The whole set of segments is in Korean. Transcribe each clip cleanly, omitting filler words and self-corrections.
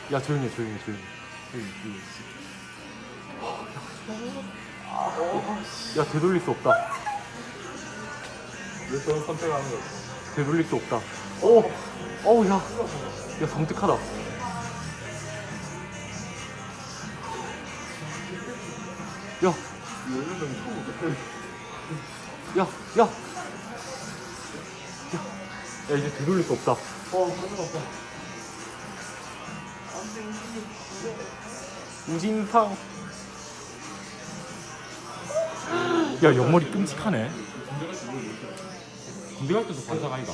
야 조용히 해 조용히. 야 되돌릴 수 없다. 왜 저런 선택하는 거야? 되돌릴 수 없다. 어우 야 섬뜩하다. 야 이제 되돌릴 수 없다. 가져갔다. 우진상. 야 옆머리 끔찍하네. 군대 갈 때도 반삭 아이가.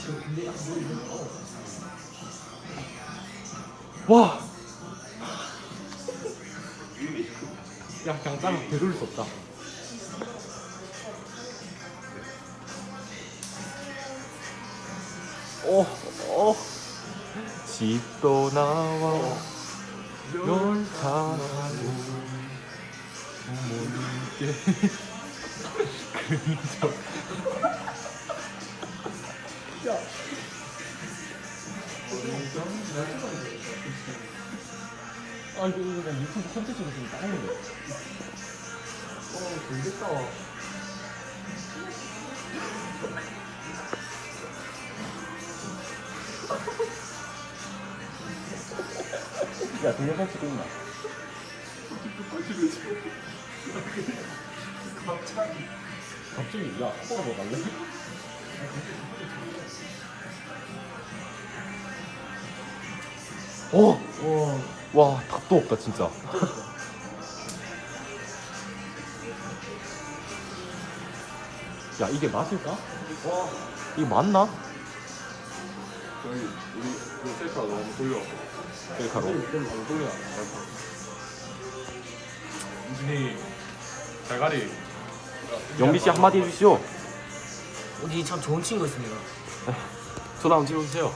와. 야 그냥 따라 되돌릴 수 없다. 집도 나와 널 사랑하고 부모님께 그저 이거 그냥 유튜브 콘텐츠로 좀 따는데. 재밌겠다. 야 동영상 찍고 있나? 갑자기 야 코가 뭐 갈래? 와 답도 없다 진짜. 야 이게 맞을까? 이게 맞나? 저희 우리 셀카 너무 돌려. 셀카로. 너무 돌려. 우진이 대가리. 영비 씨 한마디 해주시오. 우진이 참 좋은 친구였습니다. 전화 한번 찍어주세요.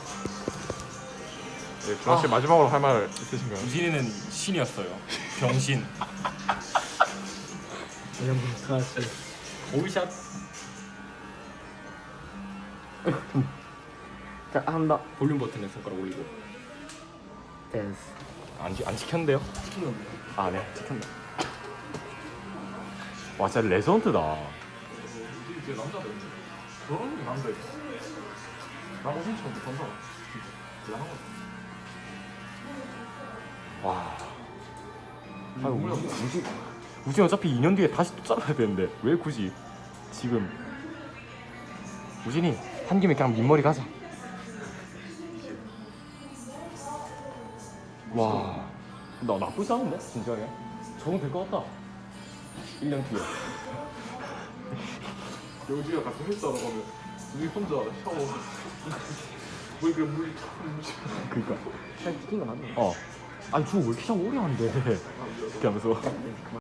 네, 준하 씨 마지막으로 할 말 있으신가요? 우진이는 신이었어요. 병신. 오비샷. 자 한다. 볼륨 버튼에 손가락 올리고. 됐어. 안 찍혔는데요? 아 네 찍혔네. 와 진짜 레전드다. 이제 남자들 저런 게 남자 있어. 나 우진처럼 못한다. 대단한 거지. 와. 아유 우진 어차피 2년 뒤에 다시 또 잘라야 되는데 왜 굳이 지금. 우진이 한 김에 그냥 민머리 가자. 와. 나 나쁘지 않은데 진짜게. 적응 될것 같다. 1년 뒤에. 영지가 같이 헬스하러 가면 우리 혼자 샤워. 뭐 이렇게 물 그니까. 잘 찍힌 거 맞네. 아니 저거 왜 이렇게 자꾸 오래 한대. 이렇게 하면서.